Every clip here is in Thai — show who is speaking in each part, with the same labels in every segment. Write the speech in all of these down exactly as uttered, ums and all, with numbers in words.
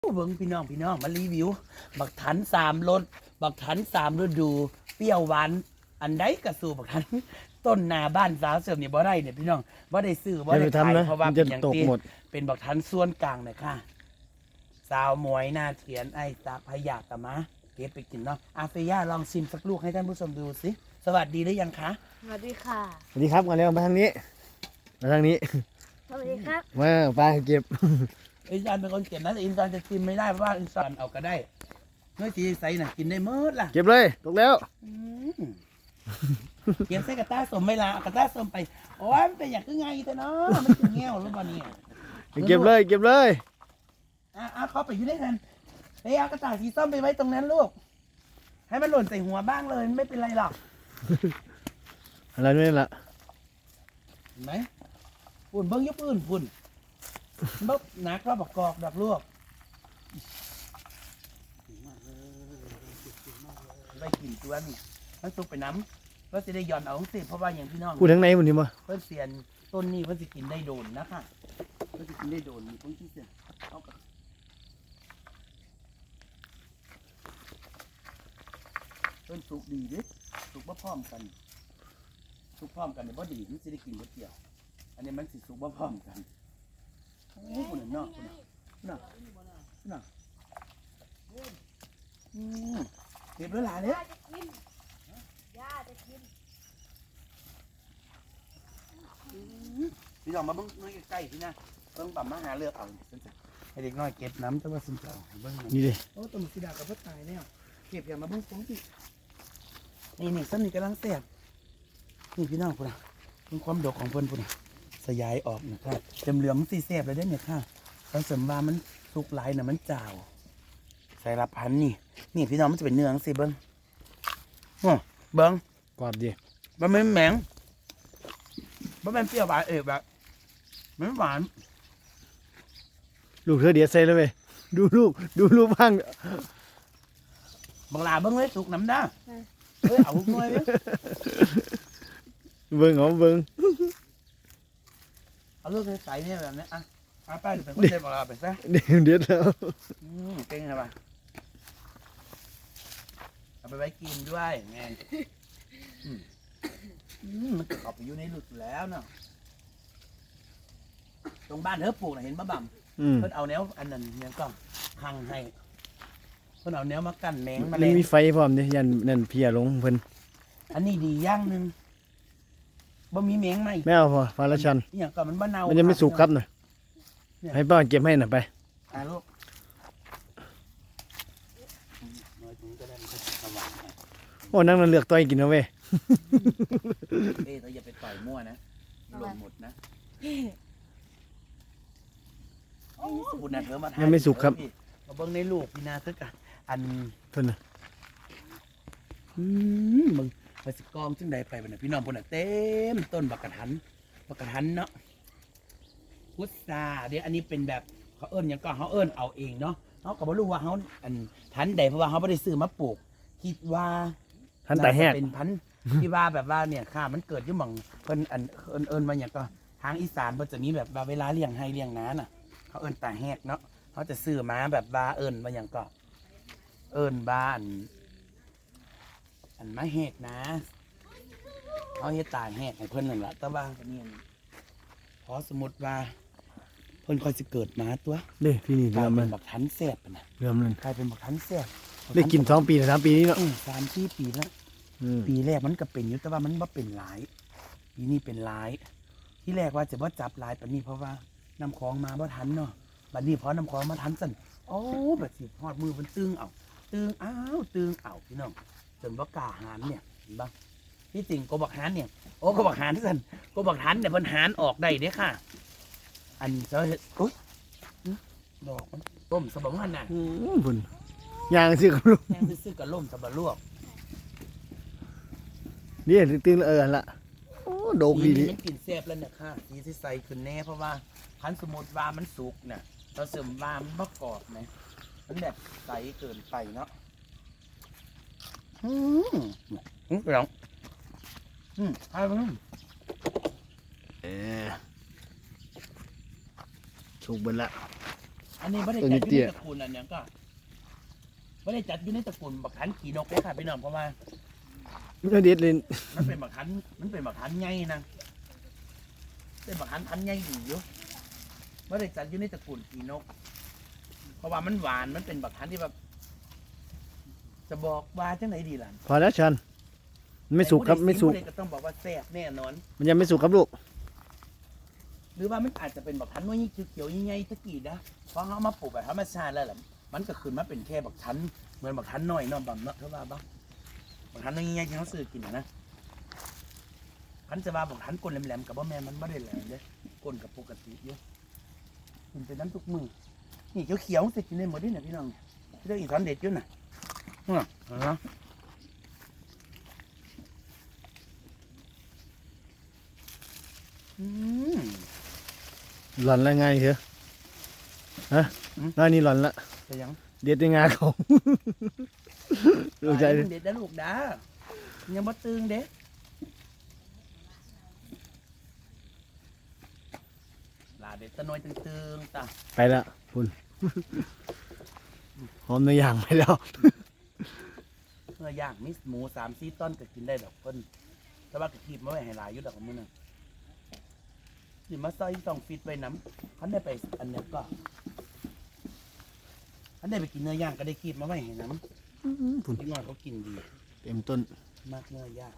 Speaker 1: เบิ้งพี่น้องพี่น้องมารีวิวบักทันสามรสบักทันสามฤดูเปรี้ยวหวานอันใดกระสู่บักทันต้นนาบ้านสาวเสริมเนี่ยบ่ได้เนี่ยพี่น้องบ่ได้ซื้อบ่ได้ขายเพราะว่าเป็นอย่างที่เป็นบักทันส่วนกลางเลยค่ะสาวหมวยนาเถียนไอ้ตาพยากะมะเก็บไปกินเนาะอาเฟียลองชิมสักลูกให้ท่านผู้ชมดูสิสวัสดีหรือยังคะ
Speaker 2: สวัสดีค่ะ
Speaker 3: สวัสดีครับมาเร็วมาทางนี้มาทางนี้
Speaker 2: สวัสดีครับ
Speaker 3: มาปลาเก็บ
Speaker 1: อินซานเป็นคนเก็บนะแต่อินซานจะชิมไม่ได้เพราะว่าอินซานเอาก็ได้เนื้อสีใสน่ะกินได้เมื่อล่ะ
Speaker 3: เก็บเลยตกแล้ว
Speaker 1: เก็บใส่กระต้าสมไม่ละกระต้าสมไปโอ้ยมันเป็นอย่างคือไงแต่เนาะมันถึงแง่วหรือเปล่าเนี่ย
Speaker 3: เก็บเลยเก็บเลย
Speaker 1: อ่ะอ่ะเขาไปอยู่ด้วยกันไปเอากระต่ายสีส้มไปไว้ตรงนั้นลูกให้มันหล่นใส่หัวบ้างเลยไม่เป็นไรหรอก
Speaker 3: อะไรนี่ล่ะ
Speaker 1: เห็นไหมฝุ่นเบิ้งยุบอื่นฝุ่นเบิ้งหนักก็บอกกอกดับลวกได้กลิ่นตัวนี่มันสุกไปน้ำเพื่อจะได้ย้อนเอาสิเพราะว่าอย่างพี่น้อง
Speaker 3: พูดทั้งในวันนี้มั้ย
Speaker 1: เพื่อเสียนต้นนี้เพื่อจะกินได้โดนนะคะเพื่อจะกินได้โดนมีต้นที่เสียนเอากับต้นสุกดีดิสุกบ่พร้อมกันสุกพร้อมกันเนี่ยบ่ดีมันจะได้กินบ่เกี่ยวอันนี้มันสิสุกบ่พร้อมกันโอ้โหคนเนาะคนเนาะเนาะอืมเก็บเวลาเนี่ยย่าจะกินพี่น้องมาเบิ้งน้อยใกล้ๆพี่นะเบิ้งปั๊มมาหาเลือกเอาให้เด็กน้อยเก็บน้ำแต่ว่าสินเจ้าเบิ้ง
Speaker 3: นี่ดิ
Speaker 1: โอ้ต้นสีดากับพ่อตายแล้วเก็บอย่างมาเบิ้งฟองสินี่นี่ส้นนี่กำลังแซ่บนี่พี่น้องพุ่นนะเป็นความดกของเพิ่นพุ่นนะสยายออกนะครับเต็มเหลืองสีแซ่บเลยได้เนี่ยค่ะตอนเสริมว่ามันสุกหลายน่ะมันจาวใส่ละพันนี่นี่พี่น้องมันจะเป็นเนื้อสิเบิ้งโอ้เบิ้ง
Speaker 3: กรอบดี
Speaker 1: มันไม่แหมงมันเป็นเปรี้ยวหวานเอกแบบมันหวาน
Speaker 3: ลูกเธอเดียดใส่เลยเว้ยดูลูกดูลูกบ้าง
Speaker 1: บางลาเบิ้งเลยสุกน้ำด้าเฮ้ยเอาหุบหน่อยเลย
Speaker 3: เบิ้งเอาเบิ้ง
Speaker 1: เอาลูกใส่เนี่ยแบบนี้อ่ะเอาไปเป็นคนเด็ดบางลาไปซะ
Speaker 3: เด็ดเด็ดแล้ว
Speaker 1: เก่งใช่ปะเอาไปไว้กินด้วยไงมันเขับไปอยู่ในหลุดแล้วเนาะตรงบ้านเธอปลูกนะเห็นมะบ่ำเพิ่นเอาแนวอันนั้นเนี่ยก็หังให้เพิ่นเอาแนวมากั้นแมงมา
Speaker 3: เลยมีไฟพร้อมดิยันนั่นเพียลงเพิ่น
Speaker 1: อันนี้ดีอย่างหนึ่งบ่มีแมงไหม
Speaker 3: ไม่เอาพอฟ้าละชัน
Speaker 1: เนี่ยก็มันบ้านเน่า
Speaker 3: มันจะไม่สุกครับหน่อยให้ป้าเก็บให้หน่อยไป
Speaker 1: อ่าลูก
Speaker 3: โอ้นั่งนั่นเลือกต่อยกินเอาเว้ย
Speaker 1: เอ้ยเราอย่าไปต่อยมั่วนะหล่นหมดนะคุณนะเธอมาท
Speaker 3: ยังไม่สุกครับ
Speaker 1: มาเบิ้งในลูกพี่นาเถอะกันอัน
Speaker 3: เพิ่นน่ะ
Speaker 1: อืมมึงไปสิกองจึงใดไปบ้านพี่น้องพุ่นน่ะเต็มต้นบักกะทันบักกะทันเนาะพุทราเดี๋ยวอันนี้เป็นแบบเขาเอิ้นอย่างก็เขาเอิ้นเอาเองเนาะเขาก็บ่รู้ว่าเขาอันทันใดเพราะว่าเขาไม่ได้ซื้อมาปลูกคิดว่า
Speaker 3: ทันแต่แห้ง
Speaker 1: เป็นพันที่ว่าแบบว่าเนี่ยค่ะมันเกิดที่หม่องเพิ่นอันเอิ้นเอิ้นมาอย่างก็ทางอีสานเพิ่นจะมีแบบว่าเวลาเลี้ยงให้เลี้ยงน้าน่ะเขาเอิ้นตาแหกเนาะเขาจะซื้อมาแบบว่าเอิ้นมาอย่างก็เอิ้นบ้านอันมาแหกนะเขาเฮ็ดตาแหกให้เพิ่นนั่นแหละแต่ว่าก็เนี่ยพอสมมติว่าเพิ่นค่อยสิเกิดมาตัว
Speaker 3: เด้พี่นี่
Speaker 1: เรื่
Speaker 3: อ
Speaker 1: ม
Speaker 3: มัน
Speaker 1: บักทันแซ่บนะ
Speaker 3: เรื่อมัน
Speaker 1: กลายเป็นบักทันแซ่บ
Speaker 3: ได้กินสองปีหรือสามปีนี้เนาะ
Speaker 1: สามสี่ปีแล้วปีแรกมันก็เป็นอยู่แต่ว่ามันบ่เป็นหลายปีนี้เป็นหลายที่แรกว่าจะบ่จับหลายปานนี้เพราะว่าน้ำคลองมาบ่ทันเนาะบัดนี้พอน้ำคลองมาทันสั่นโอ้แบบสิฮอดมือมันตึงเอาตึงอ้าวตึงเอาพี่น้องจนบ่กล้าหานเนี่ยเห็นบ่ที่จริงกบบักหานเนี่ยโอ้กบบักหานสั่นกบบักหานเนี่ยเพิ่นหานออกได้เด้ค่ะอันเจ้าเฮ็ดอุ๊ยดอกมันต้มสะบังหั่นน่ะ
Speaker 3: อือพุ่นย่างซื้อกับลูก
Speaker 1: ย่างซื้อกับล่มสะบะลวก
Speaker 3: นี่ตึงๆเออละโอ้โดกดี
Speaker 1: มันกินแซ่บแล้วเนี่ยค่ะสีสิใสขึ้นแน่เพราะว่าพันสมุดว่ามันสุกเนี่ยเราเสริมว่ามันบ่กรอบไหมมันแบบใสเกินไปเนาะอืมอืมเปรี้ยวอืมใช่ไหม
Speaker 3: เออสุกเบิดละ
Speaker 1: อันนี้ไม่ได้จัดอยู่ในตระกูลอันเนี้ยก็ไม่ได้จัดอยู่ในตระกูลบักขันขี่นกเลยค่ะพี่น้องเพราะว่า
Speaker 3: เด็ดเลย
Speaker 1: มันเป็นบักขันมันเป็นบักขันใหญ่นะเป็นบักขันพันใหญ่ดีอยู่ไม่ได้จัดอยู่ในตระกูลขี่นก เพราะว่ามันหวานมันเป็นบักขันที่แบบจะบอกว่าจังไหนดีล่ะ
Speaker 3: พอแล้วชันไม่สุกครับไม่สุก
Speaker 1: ผู้ใดก็ต้องบอกว่าแซ่บแน่นอน
Speaker 3: มันยังไม่สุกครับลูก
Speaker 1: หรือว่ามันอาจจะเป็นบักขันน้อยยิ่งเขียวๆยิ่งใหญ่ตะกี้นะเพราะเขามาปลูกแบบธรรมชาติแล้วแหละมันก็ขึ้นมาเป็นแค่บักขันเหมือนบักขันน้อยเนอนบำเนาะเท่าว่าบ้างบักขันน้อยยิ่งใหญ่ที่เขาซื้อกินนะนะขันจะว่าบักขันก้นแหลมๆกับบ่แม่นมันไม่ได้แหลมเลยก้นกับปกติเยอะกินเป็นน้ำทุกมือนี่เขียวๆสิกินได้หมดด้วยนะพี่น้องพี่ต้องอีสานเด็ดอยู่นะอืมเนาะอืม
Speaker 3: หล่อนแล้วไงเถอะฮะน้อยนี่หล่อนละ
Speaker 1: จะยัง
Speaker 3: เด็ดในงาเขาลูกใจ
Speaker 1: ไปเด็ดได้ลูกดายังบ่ตึงเด้ลาเด็ดตะนอยตึงๆตา
Speaker 3: ไปละคุณหอมเนื้อย่างไปแล้ว
Speaker 1: เมื่อย่างมิสหมูสามสี่ต้นก็กินได้ดอกเพิ่นแต่ว่าก็คีบมาไว้ให้หลายอยู่ดอกของมื้อนึงสิมาซอยต้องฟิตไว้น้ำคันได้ไปอันเนี้ยก็คันได้ไปกินเนื้อย่างก็ได้คีบมาไว้ให้น้ำ
Speaker 3: คุณ
Speaker 1: พี่น้อยเขากินดี
Speaker 3: เต็มต้น
Speaker 1: มากเนื้อย่าง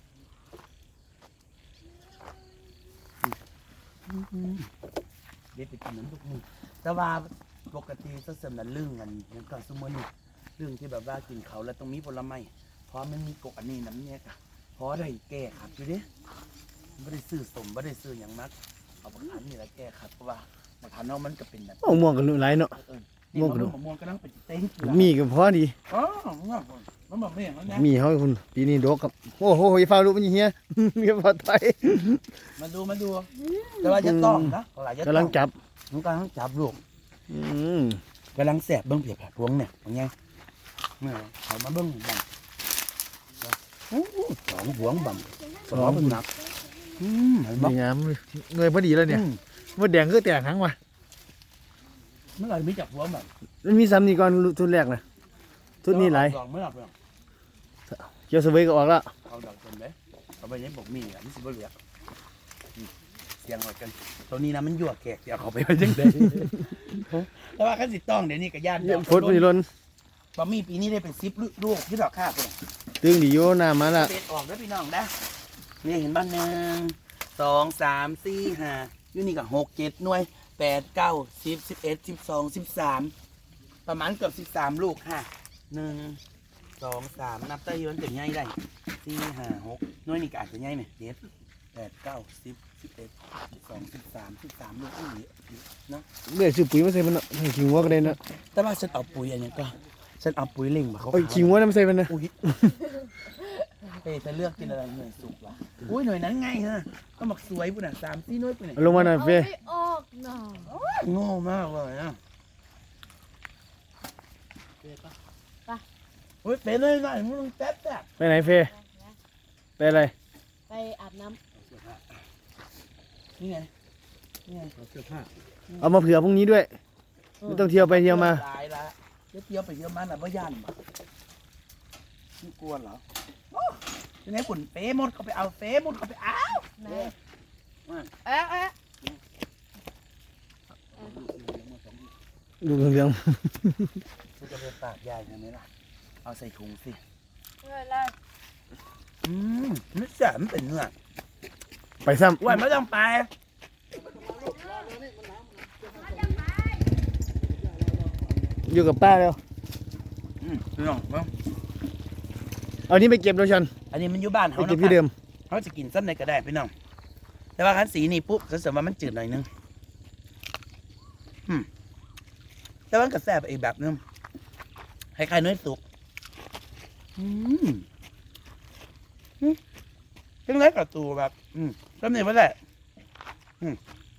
Speaker 1: เด็ดไปกินน้ำทุกมื้อแต่ว่าปกติจะเสริมนั้นเรื่องกันยังก็สมมติเรื่องที่แบบว่ากินเขาแล้วต้องมีผลไม้เพราะมันมีกกอันนี้น้ำเนี่ยกะเพราะได้แก้ขัดอยู่เด้ไม่ได้ซื้อสมไม่ได้ซื้ออย่างมักเอาบักขันนี่แหละแก้ขัดเพราะว่าบักขันเนาะมันก็เป็นแบบ
Speaker 3: โอ้ม่วงกันไรเนาะ
Speaker 1: เออนี่มะม่วงมะม่วงก็ต้องเป็นเต้งเกลือ
Speaker 3: มีก็พอดี
Speaker 1: อ๋อมันบอกไม่อย่างนั้นนะ
Speaker 3: มีเขาให้คุณปีนี้ดกครับโอ้โหอย่าฟ้าลูกมันอย่างเงี้ย อย่าฟ้าไทย
Speaker 1: มาดูมาดูแต่ว่าจะต้องนะเวลาจะ
Speaker 3: กำลังจับ
Speaker 1: มันกำลังจับลูก
Speaker 3: อืม
Speaker 1: กำลังแสบเบิ้งเปียกผัดพวงเนี่ยเป็นไงเนี่ยเขามาเบิ้งบังโอ้โหสองหวงบังสองเป็นหนักอืมเห็นบ่
Speaker 3: ดีงามเงยพอดีแล้วเนี่ย
Speaker 1: อืม
Speaker 3: ว่าแดงก็แตกหางว่ะ
Speaker 1: เมื่อไหร่มีจับหัวบัง
Speaker 3: มันมีซ้ำนี่ก่อนทุนแรกนะทุนนี้หลาย
Speaker 1: ดอกไม่หลับเลย
Speaker 3: เกี่ยวสเวยก็ออกแล้ว
Speaker 1: เอาดอกจนไหมเอาไปยังบอกมีอ่ะมันสิบ่เหลืออืมเสียงหอดกันตัวนี้นะมันยั่วแขกเดี๋ยวเขาไปไว้จังไดแต่ว่าขั้นสิต้องเดี๋ยวนี้กับญาติ
Speaker 3: เยี่ยมพดมันล้น
Speaker 1: บะหมี่ปีนี้ได้เป็นซิปลูกที่ดอกข้าวคน
Speaker 3: ตึงดีโยน้ำมาละ
Speaker 1: เป็ดออกแล้วพี่น้องนะนี่เห็นบ้านหนึ่งสองสามสี่ห้าอยู่นี่กับหกเจ็ดหน่วยแปดเก้าสิบสิบเอ็ดสิบสองสิบสามประมาณเกือบสิบสามลูกค่ะหนึ่งสองสามนับได้ย้อนถึงง่ายได้สี่ห้าหกหน่วยนี่ก็อาจจะง่ายไหมเด็ดแปดเก้าสิบสิบเอ็ดสิบสองสิบสามสิบสามลูกนี่เนาะ
Speaker 3: เลือกซื้อปุ๋ยมาใส่มันเนาะให้ขิงวัวก็ได้เนาะ
Speaker 1: แต่ว่าฉันเอาปุ๋ยอันนี้ก็ฉันเอาปุ๋ยเล่งมาเขา
Speaker 3: โอ้ยขิงวัวน้ำใส่มันนะ
Speaker 1: อุ้ยเฮ้ยจะเลือกกินอะไรหน่วยสุกวะอุ้ยหน่วยนั้นง่ายฮะก็หมักสวยปุ่นอ่ะสามสี่หน่วยปุ่นอ่ะ
Speaker 3: เอาลงมาหน่อย
Speaker 2: เอา
Speaker 3: เฟ้
Speaker 2: ไม่ออกหน่อย
Speaker 1: โง่มากเลยนะเฮ้ยเป็นเลยหน่อยมึงต้องแป๊บแป๊บ
Speaker 3: ไปไหนเฟ้ไปอะไร
Speaker 2: ไปอาบน้
Speaker 1: นี่ไงนี่ไงเสื้อผ้า
Speaker 3: เอามาเผื่อพรุ่งนี้ด้วยไม่ต้องเที่ยวไปเที่ยวมา
Speaker 1: ตายละเดี๋ยวเที่ยวไปเที่ยวมาน่ะบ่ย่านบ่ไม่กลัวเหรอโอ้ยังไงปุ่นเฟ้หมดเขาไปเอาเฟ้หมดเขาไปเอา
Speaker 2: ำไหนเอ๊ะเอ๊ะ
Speaker 3: ดูเรื่อง
Speaker 1: กูจะไปตากยายยังไงล่ะเอาใส่ถุงสิ
Speaker 2: ไม่เป็นไร
Speaker 1: อืมไม่แสบมันเป็นเนื้อ
Speaker 3: ๆไปซ้
Speaker 1: ไหวไม่ต้องไป
Speaker 3: ำอยู่กับป้าแล้ว
Speaker 1: อืมพี่น้องเนาะ
Speaker 3: เอานี้ไปเก็บแล้วชัน
Speaker 1: อันนี้มันอยู่บ้าน
Speaker 3: ไป
Speaker 1: เขา
Speaker 3: เก็บ
Speaker 1: เนาะ
Speaker 3: ที่เดิม
Speaker 1: เขาจะกินสั้นในก็ได้พี่น้อง แต่ว่าคันสีนี่ปุ๊บเขาเสริมว่ามันจืดหน่อยนึงอืมแต่ว่ามันก็แซ่บอีกแบบนึงคล้ายๆเนื้อสุกอืมอืมเป็นไรกับตัวแบบ อืมก็นี่ว่าแหละอืม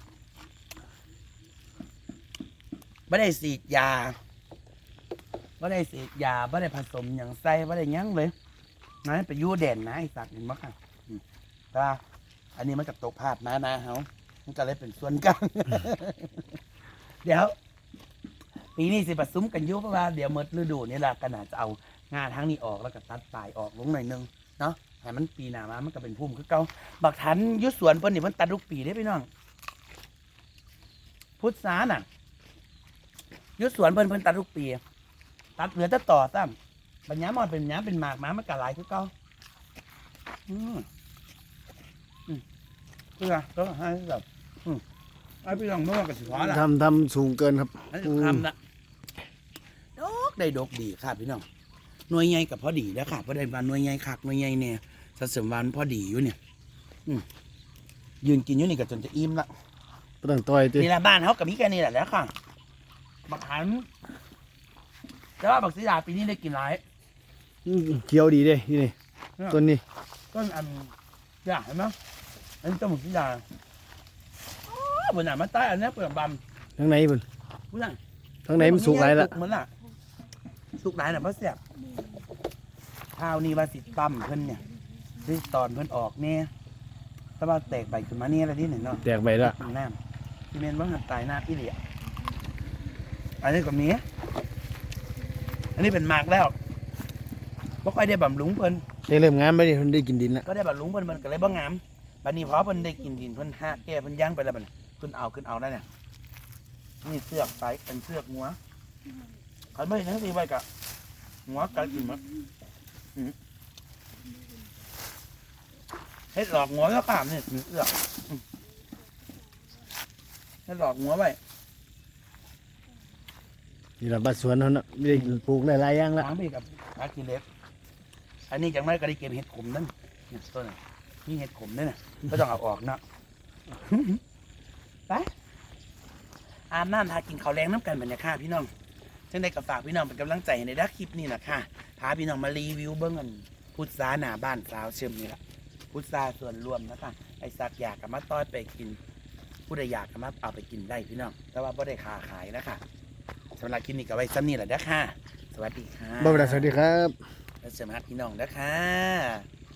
Speaker 1: ไม่ได้สีดยาไม่ได้สีดยาไม่ได้ผสมอย่างใส่ไม่ได้หยั้งเลยนะไปยู่แดนนะไอ้สัตว์เห็นมั้ยค่ะอืมแต่ว่าอันนี้มันกับตกภาพนะนะเฮามันก็เลยเป็นส่วนกลาง เดี๋ยวปีนี้สิผสมกันอยุเพราะว่าเดี๋ยวหมดฤดูนี่แหละก็น่าจะเอางาทั้งนี้ออกแล้วก็ตัดปลายออกลงหน่อยนึงเนาะให้มันปีหน้ามามันก็เป็นพุ่มคือเก่าบักทันอยุสวนเพิ่นนี่เพิ่นตัดทุกปีได้พี่น้องพุทธาน่ะอยุสวนเพิ่นเพิ่นตัดทุกปีตัดเหลือแต่ต่อซ้ำปัญญามอนเป็นหญ้าเป็นหมากหมามันก็หลายคือเก่าอืมอืมเพื่อก็ให้แบบอืมไอ้พี่น้องเมื่อกับสิขวาล่ะ
Speaker 3: ทำทำสูงเกินครับ
Speaker 1: อันนี้ทำละดอกได้ดอกดีค่ะพี่น้องหน่วยใหญ่กับพอดีแล้วค่ะพอได้บานหน่วยใหญ่คักหน่วยใหญ่เนี่ยสัดส่วนวันพอดีอยู่เนี่ย อืมยืนกินอยู่นี่ก็จนจะอิ่มละ
Speaker 3: บ่ต้องต่อยติ
Speaker 1: นี่แหละบ้านเขากับมีแค่นี้แหละแล้วค่ะบักหันแต่ว่าบักสีดาปีนี้ได้กินหลาย
Speaker 3: อืมเขียวดีเด้นี่นี่ต้นนี้
Speaker 1: ต้นอันอยากเห็นไหมอันนี้ต้นบักสีดาอ๋อบนหนามาใต้อันนี้เปลือกบำ
Speaker 3: ทางไหนเพิ่น
Speaker 1: ผู้นั้น
Speaker 3: ทางไหนมันสุกหลายละ
Speaker 1: สุกเหมือนล่ะสุกหลายน่ะเพราะเสียบข้าวนี่ว่าสิปั๊มเพิ่นเนี่ยที่ตอนเพิ่นออกเนี่ยแต่ว่าแตกใบขึ้นมาเนี่ยอะไรนี่หน่อยเนาะ
Speaker 3: แตกใบละ
Speaker 1: น้ำที่เมนว่าหันตายหน้าอีเหลียอันนี้ก็มีอันนี้เป็นหมากแล้วบ่ค่อยได้บำรุงเพิ่น
Speaker 3: ได้เริ่มงามไปดิเพิ่นได้กินดินละ
Speaker 1: ก็ได้บำรุงเพิ่นมันก็เลยบ่งามบัดนี้พอเพิ่นได้กินดินเพิ่นหาแก้เพิ่นย่างไปแล้วบัดนี้เพิ่นเอาขึ้นเอาได้เนี่ยนี่เสือกไปเป็นเสือกงัวคันไม่ทั้งสี่ใบกะงัวกัดกินมั้งอืมเฮ็ดหลอกงัวก็ขามนี่เสือกอืมเฮ็ดหลอกงัวไว้
Speaker 3: นี่ล่ะบ้านสวนเฮาน่ะมีได้ปลูกหลายๆอย่างละ
Speaker 1: ล้างไปกับอากิเล็กอันนี้จังไรก็ได้เก็บเห็ดขมนั่นเนี่ยต้นน่ะมีเห็ดขมด้วยนะก็ต้องเอาออกเนาะ ไปอาบน้ำทากินข้าวแรงน้ำกันบรรยากาศพี่น้องจังได้กับฝากพี่น้องเป็นกำลังใจในด้านคลิปนี้นะค่ะพาพี่น้องมารีวิวเบื้องเงินพุทราหน้าบ้านสาวเชื่อมนี่แหละพุทราส่วนรวมนะคะไอ้สักอยากกับมาต้อยไปกิน ผู้ใดอยากกับมาเอาไปกินได้พี่น้องแต่ว่าไม่ได้ค้าขายนะคะสำหรับคลิปนี้ก็ไว้ซ้ำนี่แหละเด้อค่ะ สวัสดีค่ะ
Speaker 3: บ่าวดาสวัสดีครับ
Speaker 1: และสมัครพี่น้องนะคะ